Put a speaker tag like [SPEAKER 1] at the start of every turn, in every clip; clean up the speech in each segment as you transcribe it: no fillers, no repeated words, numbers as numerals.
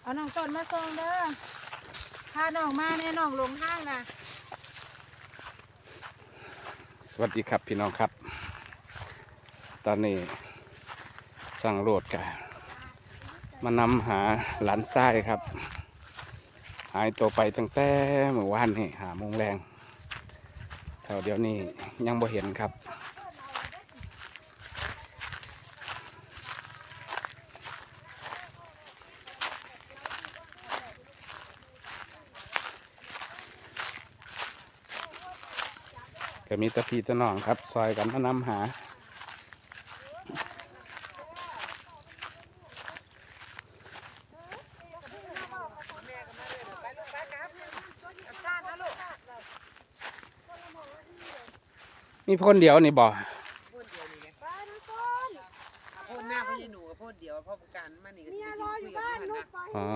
[SPEAKER 1] เอาน้องต้นมาส่งเด้อพาน้องมาแน่น้องลงห้างนะ
[SPEAKER 2] สวัสดีครับพี่น้องครับตอนนี้สั่งโหลดกันมานำหาหลานทรายครับหายตัวไปตั้งแต่เมื่อวานนี่5 โมงแรงแถวเดี๋ยวนี้ยังบ่เห็นครับก็มีตะพี่ตะน้องครับซอยกันมานำหามีพ่นเดียวนี่บ่
[SPEAKER 3] พ่นเดียวนี่ไงพ่นหน้าพ่นยายหนูกับพ่นเดียวพ่อประกันมานี่ก็จะรออยู่บ้านลูกไป
[SPEAKER 2] อ๋อ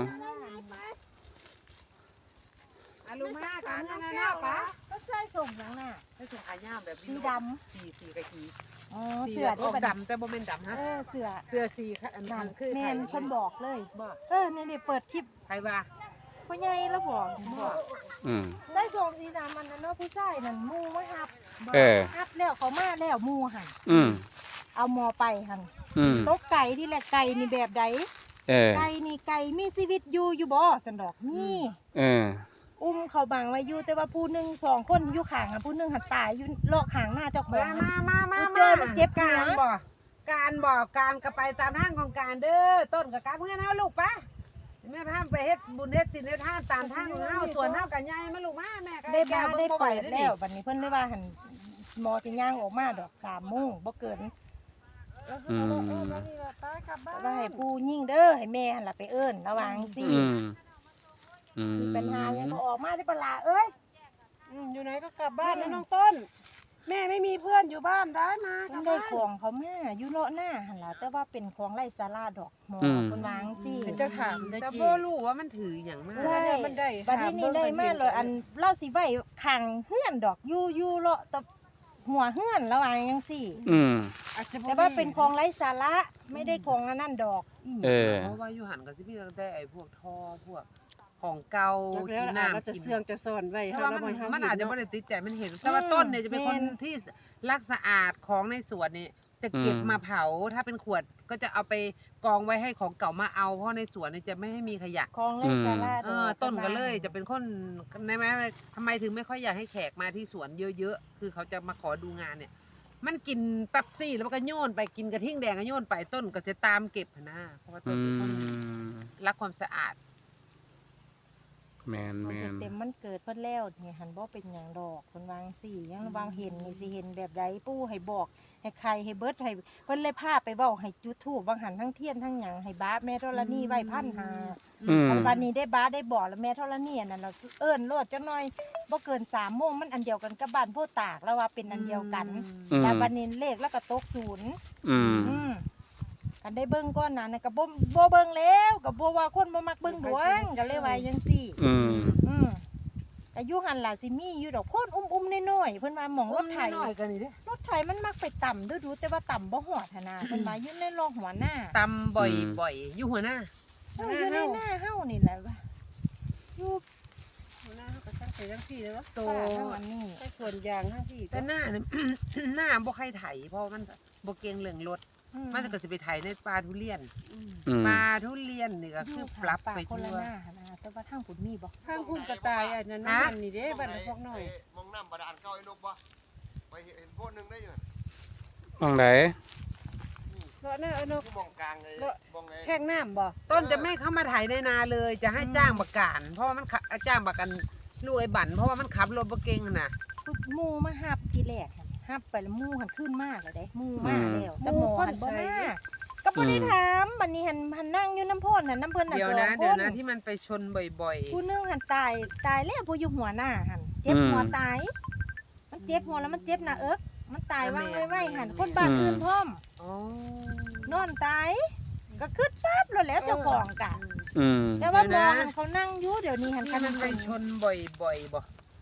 [SPEAKER 3] ลูกมากันนั่นน่ะปะ
[SPEAKER 1] ก็ใส่ส่งหยังน่ะ
[SPEAKER 3] ให้ส่งขายาวแบบ
[SPEAKER 1] สีดำ
[SPEAKER 3] สีกะกี
[SPEAKER 1] อ๋อ
[SPEAKER 3] สี
[SPEAKER 1] เสือ
[SPEAKER 3] แบบออกดำแต่บ่เป็นดำฮะ
[SPEAKER 1] เสือ
[SPEAKER 3] เสื้อสีอันนั้นคือ
[SPEAKER 1] แม่นคนบอกเลยนี่เปิดคลิป
[SPEAKER 3] ใครว่า
[SPEAKER 1] พ่อใหญ่แล้วบอกได้ส่งสีดำมันนั่นเนาะผู้ชายนั่นมูมาหับหับแล้วเขามาแล้วมูหั่นเอาหมอไปหั่นตกไก่ที่แหละไก่นี่แบบใดไก่นี่ไก่มีชีวิตอยู่บ่สันดอกนี่อุ้มเขาบังไว้อยู่แต่ว่าผู้หนึ่ง2 คนอยู่ข้างผู้หนึ่งหันตายอยู่เลาะข้างหน้าเจ้าของ
[SPEAKER 3] มา
[SPEAKER 1] เจอมันเจ็บหัว
[SPEAKER 3] การก็ไปตามทางของการเด้อต้นกับกาเพื่อนเอาลูกปะแม่พาไปเฮ็ดบุญเฮ็ดศีลเฮ็ดทานตามทางเฮาส่วนเฮากันใหญ่มาลูกมาแม่ก็
[SPEAKER 1] ได้บ้าได้เปิดแล้วบัดนี้เพิ่นได้ว่าหั่นหมอสิย่างออกมาดอก3 โมงบ่เกินว่าให้ผู้ยิ่งเด้อให้แม่หั่นล่ะไปเอิ้นระวังสิมีปัญหายังบ่ออกมาได้ปลาเอ้ย
[SPEAKER 3] อยู่ไหนก็กลับบ้านนะน้องต้นแม่ไม่มีเพื่อนอยู่บ้านได้มา
[SPEAKER 1] กับได้ของเขาแม่อยู่เลาะหน้าหั่นล่ะแต่ว่าเป็นของไร้สาระดอกหมอคนวางสิ
[SPEAKER 3] เป็นเจ้าถามแต่บ่รู้ว่ามันถือหยังมา
[SPEAKER 1] ใช่มันได้บัดนี้ได้มาเลยอันเล่าสิไว้ขังเฮือนดอกอยู่เลาะตะหัวเฮือนระวังจังซี่แต่ว่าเป็นของไร้สาระไม่ได้ของอันนั้นดอก
[SPEAKER 3] เพราะว่าอยู่หันก็สิมีตั้งแต่ไอ้พวกท่อพวกของเก่าที่น้ำ
[SPEAKER 4] จะเสื่องจะซ่อนไว้
[SPEAKER 3] มันอาจจะไม่ได้ติดใจมันเห็นแต่ว่าต้นเนี่ยจะเป็นคนที่รักสะอาดของในสวนนี่จะเก็บมาเผาถ้าเป็นขวดก็จะเอาไปกองไว้ให้ของเก่ามาเอาเพราะในสวนนี่จะไม่ให้มีขยะ
[SPEAKER 1] ของไร้สาระ
[SPEAKER 3] ต้นก็เลยจะเป็นคนในแม้ทำไมถึงไม่ค่อยอยากให้แขกมาที่สวนเยอะๆคือเขาจะมาขอดูงานเนี่ยมันกินเป๊ปซี่แล้วก็โยนไปกินกระทิ่งแดงก็โยนไปต้นก็จะตามเก็บนะเพราะว่าต้นเป็นคนรักความสะอาด
[SPEAKER 2] แมน
[SPEAKER 1] เต็มมันเกิดเพิ่นแล้วนี่หันบ่เป็นหยังดอกเพิ่นวางสิยังวางเห็นนี่สิเห็นแบบใดปู่ให้บอกให้ใครให้เบิดให้เพิ่นเลยพาไปเว้าให้จุดธูปวางหันทั้งเทียนทั้งหยังให้บ้าแม่ธรณีไว้1,500วันนี้ได้บ้าได้บอกแล้วแม่ธรณีนั่นเราเอิ้นโลดจังหน่อยบ่เกิน3 โมงมันอันเดียวกันกับบ้านโพตากแล้วว่าเป็นอันเดียวกันแต่วันนี้เลขแล้วก็ตก0กันได้เบิ่งก่อนน่ะก็บ่เบิ่งแล้วก็บ่ว่าคนบ่มักเบิ่งดวงก็เลยว่าจังซี่ก็อยู่หั่นล่ะสิมีอยู่ดอกโพนอุ้มๆน้อยๆเพิ่นว่าหม่องรถไถ
[SPEAKER 3] น้อยกันนี่เด้
[SPEAKER 1] รถไถมันมักไปต่ำดูแต่ว่าต่ำบ่ฮอดหั่นน่ะเพิ่นว่าอยู่ในรองหัวหน้า
[SPEAKER 3] ต่ำบ่อยอยู่หัวหน้า
[SPEAKER 1] อยู่ในหน้าเฮานี่แหละว่าอยู่
[SPEAKER 4] หัวหน้าเขาก็ตั้งใจทั้งพี่เลยว่า
[SPEAKER 1] โตอันนี้
[SPEAKER 4] ใส่ส่วนยางทั้งพี่
[SPEAKER 3] แต่หน้าบ่ใครไถเพราะมันบ่เก่งเรื่องรถมันก็สิไปไถในปลาทุเรียนนี่ก็คือปรับไปทั่ว
[SPEAKER 1] แต่ว่าทางพุ่นมีบ่
[SPEAKER 4] ทางพุ่นกระต่ายอันนั้นนี่เด้บ้านพวกน้อย
[SPEAKER 5] มองน้ำบาดาลเก่าไอ้นกบ่ไปเห็นโพดนึงได้อยู่
[SPEAKER 2] มองไหน
[SPEAKER 4] เลาะหน้าไอ้นก
[SPEAKER 5] มองกลางเลยมองไง
[SPEAKER 4] แท่งน้ำบ่
[SPEAKER 3] ต้นจะไม่เข้ามาไถในนาเลยจะให้จ้างบักการเพราะว่ามันจ้างบักกันลูกไอ้บั่นเพราะว่ามันขับรถบ่เก่งน่ะ
[SPEAKER 1] หมู่มาหับทีแรกหับไปแล้วหมู่หันขึ้นมากเลยเด้หมู่มาแล้วแต่หมอหันบ่มาก็บ่ได้ถามบัดนี้หันนั่งอยู่น้ำพ่นน้ำเพิ่นน่ะ
[SPEAKER 3] เดี๋ยวนะที่มันไปชนบ่อย
[SPEAKER 1] ๆผู้นึงหันตายแล้วผู้อยู่หัวหน้าหันเจ็บหัวตายมันเจ็บหัวแล้วมันเจ็บหน้าเอิกมันตายวางไว้หันคนบ้านอื่นพร้อมนอนตายก็ขึ้นปั๊บแล้วเจ้าของกันแต่ว่าหมอหันเขานั่งอยู่เดี๋ยวนี้หัน
[SPEAKER 3] มันไปชนบ่อยบ่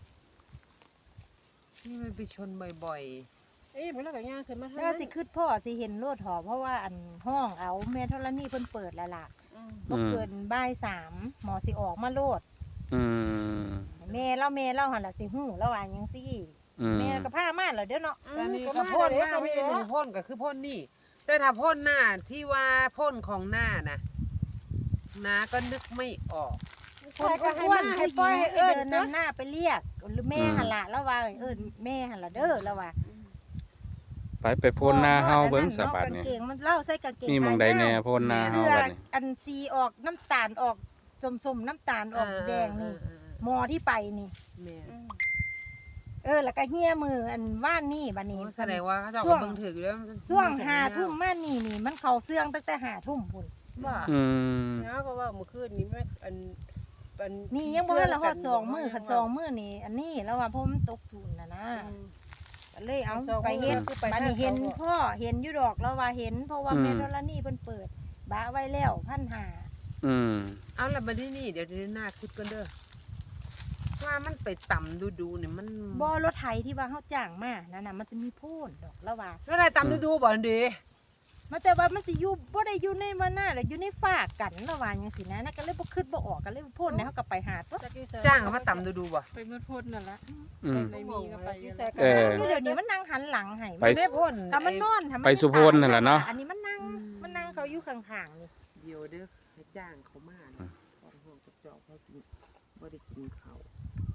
[SPEAKER 3] นี่มันไปชนบ่อย
[SPEAKER 4] มันแล้วก็ย่างขึ้นมา
[SPEAKER 1] แล้วสิขึ้นพ่อสิเห็นรถหอเพราะว่าอันห้องเอาแม่ธรณีเพิ่นเปิดแล้วล่ะบ่เกินบ่ายสามหมอสิออกมาโลด
[SPEAKER 2] อืม
[SPEAKER 1] แม่เล่าหั่นล่ะสิฮู้แล้วว่าหยังซี่
[SPEAKER 2] อืม
[SPEAKER 1] แม่ก็พามาแล้วเด้อเนาะ
[SPEAKER 3] อันนี้ก็พ่นหน้าไม่ได้หนึ่งพ่นก็คือพ่นนี่ แต่ถ้าพ่นหน้าที่ว่าพ่นของหน้านะน้าก็นึกไม่ออก
[SPEAKER 1] คนอ้วนให้ปล่อยให้เดินนำหน้าไปเรียกหรือแม่หั่นล่ะแล้วว่าแม่หั่นล่ะเด้อแล้วว่า
[SPEAKER 2] ไปพ่นหน้าเฮาเบิ่งสะบัด
[SPEAKER 1] กาง
[SPEAKER 2] นี่
[SPEAKER 1] เกงมันเล่าใส่กางเกง
[SPEAKER 2] มีหม่องใดแน่พ่นหน้าเฮา
[SPEAKER 1] เสื้อ
[SPEAKER 2] บัดนี้
[SPEAKER 1] อันซีออกน้ำตาลออกส้มๆน้ำตาลออกแดงนี่หมอที่ไปนี่
[SPEAKER 3] แม่
[SPEAKER 1] แล้วก็เฮียมืออันว่านนี่บัดนี้
[SPEAKER 3] แสดงว่าเขาจะเอาเบิ่งถืออยู่แล้ว
[SPEAKER 1] ช่วง5 ทุ่มมานี่มันเข้าเสื่องตั้งแต่5 ทุ่มพุ่น
[SPEAKER 3] ว่า
[SPEAKER 2] อืม
[SPEAKER 4] เนาะก็ว่าเมื่อคืนนี้แม่อัน
[SPEAKER 1] นี่ยังบ่ทันละฮอด2 มื้อคัน2 มื้อนี่อันนี้แล้วว่าเพราะมันตกศูนย์น่ะนะก็เลยเอาไปเฮ็ดบัดนี้เห็นพ่อเห็นอยู่ดอกแล้วว่าเห็นเพราะว่าแม่ธรณีเพิ่นเปิดบ้าไว้แล้ว1,500
[SPEAKER 2] อืม
[SPEAKER 3] เอาละมาที่นี่เดี๋ยวหน้าคุดกันเด้อว่ามันไปต่ำดูเนี่ยมัน
[SPEAKER 1] บ่รถไถที่ว่าเฮาจ้างมานั่นน่ะมันจะมีโพ่นดอกแล้วว่า
[SPEAKER 3] แล้วอะไรต่ำดูบ่อันดี
[SPEAKER 1] มันแต่ว่ามันสิอยู่บ่ได้อยู่ในวันหน้าแล้วอยู่ในฝากกันแล้วว่าจังซี่นะก็เลยบ่คิดบ่ออกก็เลยโพ่นแล้วเฮาก็ไปหาตัว
[SPEAKER 3] จ้างเขามาต่ำดูบ่
[SPEAKER 4] ไปมืดพ่นนั่นละ
[SPEAKER 2] อืม
[SPEAKER 4] ไม่มีก็ไป
[SPEAKER 2] เออ
[SPEAKER 1] เดี๋ยวนี้มันนั่งหันหลังให้
[SPEAKER 2] ไป
[SPEAKER 3] ไม่พ่น
[SPEAKER 1] ถ้ามันนอนถ้ามัน
[SPEAKER 2] ไปสุพรนั่นแหละเนาะ
[SPEAKER 1] อันนี้มันนั่งเขาอยู่ข้างๆนี่
[SPEAKER 3] เดี๋ยวเด้อให้จ้างเขามานะตอนห้องกระจอกเขากินบ่ได้กินเขาว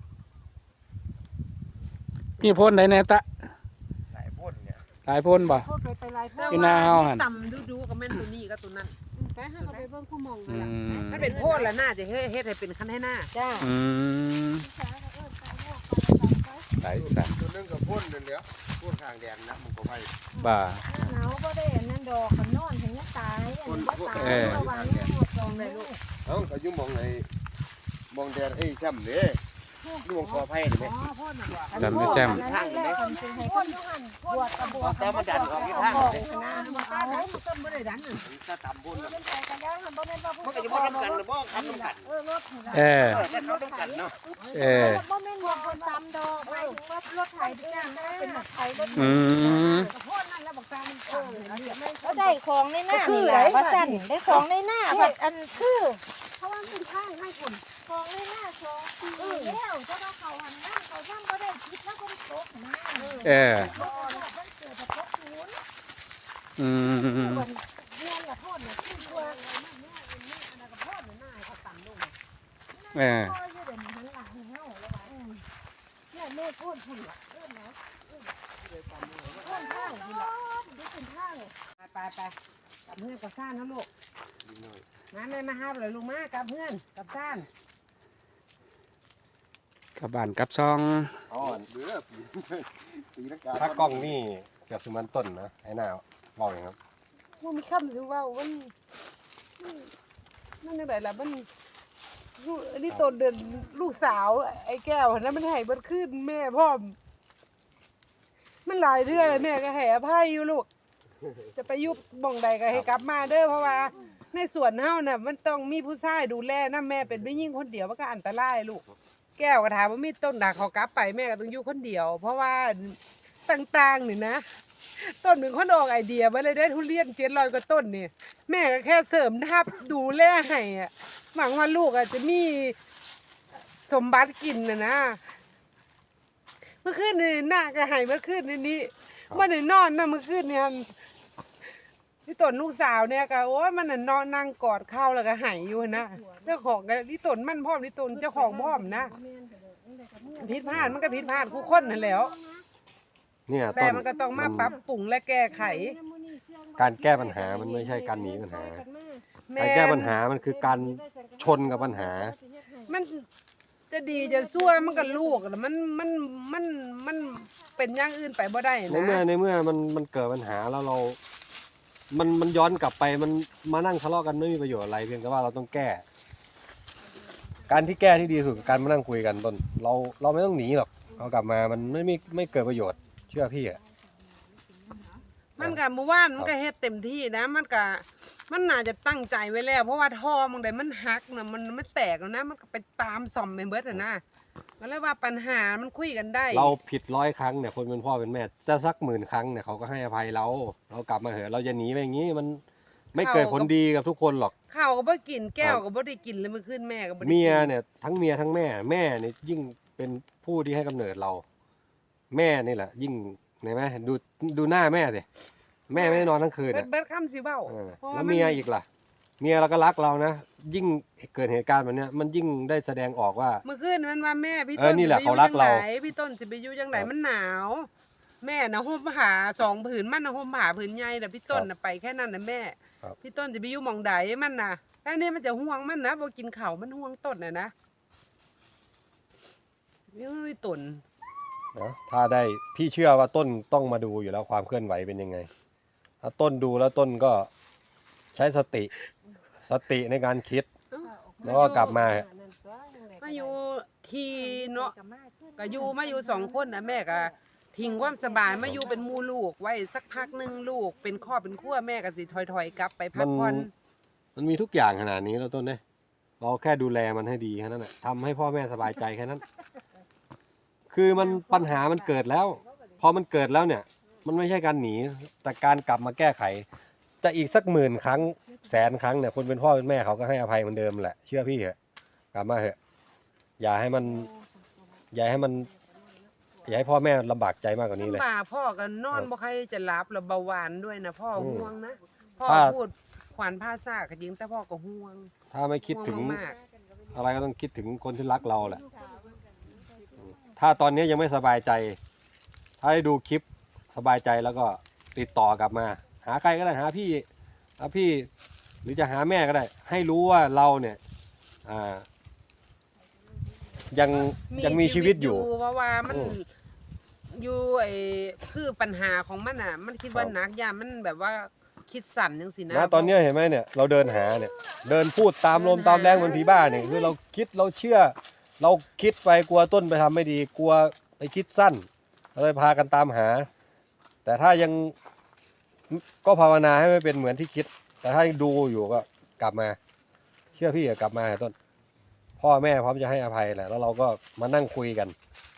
[SPEAKER 2] มีพ่นใดแน่ตะ
[SPEAKER 5] หลายพ่นเนี่ย
[SPEAKER 2] หลายพ่นบ่
[SPEAKER 4] โทษไปหลายพ่น
[SPEAKER 2] อยู่หน้าเฮาหั่น
[SPEAKER 3] ต่ำดูก็แม่นตัวนี้ก็ตัวนั้น
[SPEAKER 4] ไปหาเขาไปเบิ่งผู้มอง
[SPEAKER 2] อืม
[SPEAKER 3] ถ้าเป็นโพ่นแล้วน่าจะเฮ็ดให้เป็นคันให้หน้า
[SPEAKER 1] จ้า
[SPEAKER 2] อืมหลายสัตว์
[SPEAKER 5] ตัวนึงกับพ่นนั่นแหละพ่นทางแดนนะมันก็ไป
[SPEAKER 2] บ่า
[SPEAKER 1] หนาวบ่ได้อันนั้นดอกมันนอนถึงจะตายอันนี้ก็ตาย
[SPEAKER 2] เออ
[SPEAKER 1] ระวังนี่หมดตรงเลยลูก
[SPEAKER 5] เอ้าก็อยู่หมองไหนมองแดนแช่มเด้อยู่หมองคอไผ่นี่แหม
[SPEAKER 3] อ๋อพ่นน่ะว่ะ
[SPEAKER 2] จำได้แซม
[SPEAKER 1] อันนั้นแหละคนสิให้คนบวชกับบวช
[SPEAKER 5] แต่มันดันออกที่ทาง
[SPEAKER 1] บอก
[SPEAKER 5] เลย
[SPEAKER 1] นะ
[SPEAKER 3] มันต้นบ่ได้ดันน่ะ
[SPEAKER 5] ถ้าต่ำพ่นน่ะ
[SPEAKER 1] เป็นใจกันแล้วมันบ่แม่นว่าผู้
[SPEAKER 5] มันก็จะบ่ทำกันหรือบ่ทำกัน
[SPEAKER 1] รถนี่ล่ะ
[SPEAKER 2] เออ
[SPEAKER 5] แต่เขาต้องกันเนาะ
[SPEAKER 2] เออ
[SPEAKER 1] บ่แม่นว่าคนตำดอกหมายถึงว่ารถไถที่จ้างได้เป็นรถไถรถ
[SPEAKER 2] อืม
[SPEAKER 3] พ่นนั่นแล้วบอกตามันต่ำ
[SPEAKER 1] แล้วได้ของในหน้านี่ล่ะว่าซั่นได้ของในหน้าบัดอันคือ
[SPEAKER 3] เพราะว่ามันเป็นข้างให้คน
[SPEAKER 1] ของในหน้า2 ปีแล้วจะว่าเขาหันหน้าเขาย่ำบ่ได้คิดแล้วคนตกนะ
[SPEAKER 2] เออ
[SPEAKER 1] มันเกิดจากตกศูนย์
[SPEAKER 2] อืม
[SPEAKER 1] เรียนละโทษน่ะคือตัว
[SPEAKER 2] เออ
[SPEAKER 1] พ่ออยู่เดี๋ยวนี้หันหลังให้เฮาแล้วว่าเนี่ยแม่โทษพุ่นล่ะนะโทษทางพุ่นล่ะได้เป็นทาง
[SPEAKER 3] ไปกับเพื่อนกับซ่านนะลูกงั้นเลยมาห้ามเลยลูกมากับเพื่อนกับซ่าน
[SPEAKER 2] กลับบ้านกลับซอง
[SPEAKER 5] อ๋อเด้อปีนักการ
[SPEAKER 6] ถ้ากล้องนี่เกือบสมันต้นนะไอ้หน้าบอกอย่างครับ
[SPEAKER 3] มันมีคำหรือว่ามันยังไงล่ะมันลูกอันนี้ตนเดินลูกสาวไอ้แก้วนะมันให้เบิดขึ้นแม่พ่อมมันหลายเทื่อเลยแม่ก็ให้อภัยอยู่ลูกจะไปยุบบ่องใดก็ให้กลับมาเด้อเพราะว่าในสวนเฮาน่ะมันต้องมีผู้ชายดูแลนะแม่เป็นไม่ยิ่งคนเดียวมันก็อันตรายลูกแก้วก็ถามว่ามีต้นด่างเขากลับไปแม่ก็ต้องอยู่คนเดียว เพราะว่าต่างๆนี่นะต้นหนึ่งคนออกไอเดียมาเลยได้ทุเรียน700กว่าต้นนี่แม่ก็แค่เสริมทับดูแลให้อ่ะหวังว่าลูกอาจจะมีสมบัติกินนะเมื่อคืนนี่หน้าก็ให้เมื่อคืนนี้มันได้นอนนะเมื่อคืนเนี่ยที่ต้นลูกสาวเนี่ยก็โอ้ยมันน่ะนอนนั่งกอดข้าวแล้วก็หายอยู่นะเจ้าของก็ที่ต้นมันพร้อมที่ต้นเจ้าของพร้อมนะผิดพลาดมันก็ผิดพลาดคู่คนนั่นแหล้ว
[SPEAKER 6] เนี่ย
[SPEAKER 3] แต่
[SPEAKER 6] ต้น
[SPEAKER 3] มันก็ต้องมาปรับปรุงและแก้ไข
[SPEAKER 6] การแก้ปัญหามันไม่ใช่การหนีปัญหา
[SPEAKER 3] แม่
[SPEAKER 6] การแก้ปัญหามันคือการชนกับปัญหา
[SPEAKER 3] มันจะดีจะซั่วมันก็ลูกแล้วมันเป็นอย่างอื่นไปบ่ได้
[SPEAKER 6] ในเมื่อ
[SPEAKER 3] นะ
[SPEAKER 6] มันเกิดปัญหาแล้วเรา มันย้อนกลับไปมันมานั่งทะเลาะกันไม่มีประโยชน์อะไรเพียงแต่ว่าเราต้องแก้ การที่แก้ที่ดีที่สุดคือการมานั่งคุยกันต้นเราไม่ต้องหนีหรอกเรากลับมามันไม่เกิดประโยชน์เชื่อพี่อะ
[SPEAKER 3] มันก็เมื่อวานมันก็เฮ็ดเต็มที่นะมันน่าจะตั้งใจไว้แล้ว เพราะว่าท่อบางใดมันหักนะมันไม่แตกแล้วนะมันก็ไปตามซ่อมไปเบิดอะนะก็เลยว่าปัญหามันคุยกันได้
[SPEAKER 6] เราผิด100 ครั้งเนี่ยคนเป็นพ่อเป็นแม่จะสัก10,000 ครั้งเนี่ยเขาก็ให้อภัยเรากลับมาเหอะเราจะหนีไปอย่างนี้ไม่เกิดผลดีกับทุกคนหรอก
[SPEAKER 3] ข้าวก็บ่กินแก้วก็บ่ได้กินเลยเมื่อคืนแม่ก็บ่ได้กิน
[SPEAKER 6] เมียเนี่ยทั้งเมียทั้งแม่เนี่ยยิ่งเป็นผู้ที่ให้กำเนิดเรา แม่นี่แหละ ยิ่งเห็นไหมดูหน้าแม่สิแม่ไม่ได้นอนทั้งคืนอ่ะ
[SPEAKER 3] เบิดคำสิเว้า พราะ
[SPEAKER 6] แล้ว
[SPEAKER 3] น
[SPEAKER 6] เมียอีกล่ะ เมียเราก็รักเรานะยิ่งเกิดเหตุการณ์แบบเนี้ยมันยิ่งได้แสดงออกว่า
[SPEAKER 3] เมื่อคืนมันว่าแม่พี่
[SPEAKER 6] เอ
[SPEAKER 3] ต้
[SPEAKER 6] อน นี่แหละเขารักเรา
[SPEAKER 3] พี่ต้นสิไปอยู่จังไดมันหนาว แม่น่ะห่มผ้า2ผืนมันน่ะห่มผ้าผืนใหญ่แต่พี่ต้นน่ะไปแค่นั้นน่ะแม่
[SPEAKER 6] ครับ
[SPEAKER 3] พี่ต้นจะไปอยู่หม่องใดมันน่ะอันนี้มันจะห่วงมันนะบ่กินข้าวมันห่วงต้นน่ะนะนี่มันต้น
[SPEAKER 6] นะถ้าได้พี่เชื่อว่าต้นต้องมาดูอยู่แล้วความเคลื่อนไหวเป็นยังไง ถ้าต้นดูแล้วต้นก็ใช้สติในการคิด แล้วก็กลับมา
[SPEAKER 3] มาอยู่ทีเนาะก็อยู่มาอยู่2คนนะแม่ก็ทิ้งความสบายมาอยู่เป็นหมู่ลูกไว้สักพักหนึงลูกเป็นครอบเป็นครัวแม่ก็สิถอยๆกลับไปพักผ่อน
[SPEAKER 6] มันมีทุกอย่างขนาดนี้แล้วต้นเนี่ยเราแค่ดูแลมันให้ดีแค่นั้นแหละทำให้พ่อแม่สบายใจแค่นั้น คือมันปัญหามันเกิดแล้ว พอมันเกิดแล้วเนี่ย มันไม่ใช่การหนีแต่การกลับมาแก้ไข จะอีกสัก10,000 ครั้ง100,000 ครั้งเนี่ยคนเป็นพ่อเป็นแม่เขาก็ให้อภัยเหมือนเดิมแหละเชื่อพี่เถอะกลับมาเถอะอย่าให้พ่อแม่ลำบากใจมากกว่านี้เลย
[SPEAKER 3] ลำบากพ่อก็นอนบ่ใครจะหลับแล้วเบาหวานด้วยนะพ่อห่วงนะพ่อ
[SPEAKER 6] ถ้า
[SPEAKER 3] พูดขวัญภาษาก็จริงแต่พ่อก็ห่วง
[SPEAKER 6] ถ้าไม่คิดถึง
[SPEAKER 3] ห่วมาก
[SPEAKER 6] อะไรก็ต้องคิดถึงคนที่รักเราแหละ ถ้าตอนนี้ยังไม่สบายใจ ถ้าได้ดูคลิปสบายใจแล้วก็ติดต่อกลับมา หาใครก็ได้หาพี่หรือจะหาแม่ก็ได้ ให้รู้ว่าเราเนี่ยยังมีชีวิตอยู่
[SPEAKER 3] เพราะว่ามัน
[SPEAKER 6] อืม
[SPEAKER 3] อยู่ไอ้คือปัญหาของมันอ่ะ มันคิดว่า
[SPEAKER 6] ครับ
[SPEAKER 3] หนักยามมันแบบว่าคิดสั่นจังสินะ
[SPEAKER 6] นะตอนนี้เห็นไหมเนี่ยเราเดินหาเนี่ย เดินพูดตามลมตามแรงเหมือนผีบ้าเนี่ยคือเราคิดเราเชื่อ เราคิดไปกลัวต้นไปทำไม่ดี กลัวไปคิดสั้นเราเลยพากันตามหา แต่ถ้ายังก็ภาวนาให้ไม่เป็นเหมือนที่คิด แต่ถ้ายังดูอยู่ก็กลับมา เชื่อพี่อะกลับมาต้น พ่อแม่พร้อมจะให้อภัยแหละแล้วเราก็มานั่งคุยกัน